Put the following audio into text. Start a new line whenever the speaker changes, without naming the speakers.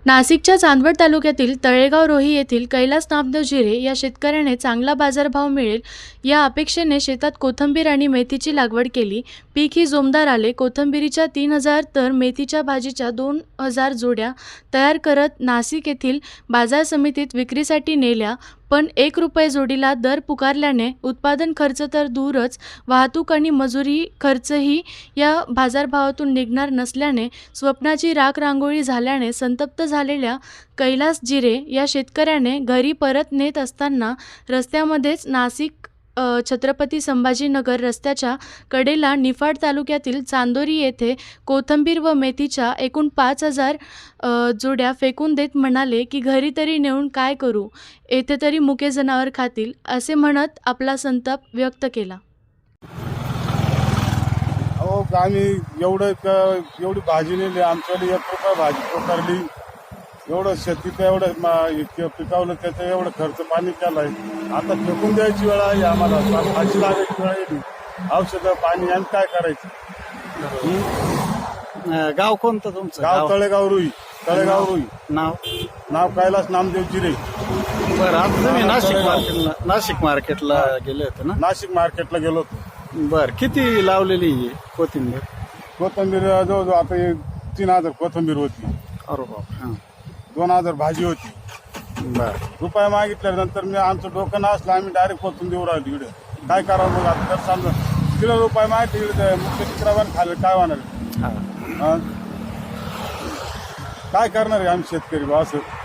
नाशिकच्या चांदवड तालुक्यातील तळेगाव रोही येथील कैलास नामदेव जिरे या शेतकऱ्याने चांगला बाजारभाव मिळेल या अपेक्षेने शेतात कोथिंबीर आणि मेथीची लागवड केली. पीक ही जोमदार आले. कोथिंबीरीच्या 3,000 तर मेथीच्या भाजीच्या 2,000 जोड्या तयार करत नाशिक येथील बाजार समितीत विक्रीसाठी नेल्या. पण ₹1 जोडीला दर पुकारल्याने उत्पादन खर्च तर दूरच, वाहतूक आणि मजुरी खर्चही या बाजारभावातून निघणार नसल्याने स्वप्नाची राखरांगोळी झाल्याने संतप्त झालेल्या कैलास जिरे या शेतकऱ्याने घरी परत नेत असताना रस्त्यामध्येच नाशिक छत्रपती संभाजीनगर रस्त्याच्या कडेला निफाड तालुक्यातील चांदोरी येथे कोथिंबीर व मेथीच्या एकूण 5,000 जोड्या फेकून देत म्हणाले की घरी तरी नेऊन काय करू, येथे तरी मुके जनावर खातील, असे म्हणत आपला संताप व्यक्त केला.
अहो आम्ही एवढी भाजी नेली, आमच्याकडे ₹1 भाजी पुकारली, एवढं शेतीचं एवढं पिकावलं, त्याचं एवढं खर्च पाणी केलाय. आता फेकून द्यायची वेळ आहे आम्हाला, भाजी लागायची वेळ येईल, औषधं पाणी आणि काय करायचं.
गाव कोणतं तुमचं?
गाव तळेगाव रुई.
नाव
कैलास नामदेव जिरे.
बरं, आता तुम्ही नाशिक मार्केटला गेले होते ना?
नाशिक मार्केटला गेलो होतो.
बरं, किती लावलेली आहे कोथिंबीर?
कोथिंबीर जवळजवळ आता 3,000 कोथिंबीर होती.
अरे बाप. हां,
2,000 भाजी होती.
बरं.
रुपये मागितल्यानंतर मी आमचं डोकं नसलं, आम्ही डायरेक्ट कोथिंबीर राहिली इकडे. काय करावं मग आता तर समजा किलो ₹1 मागितले इकडे, मुख्य चित्रावर खाल्लं काय होणार.
हां.
काय करणार आहे आम्ही शेतकरी बा असं.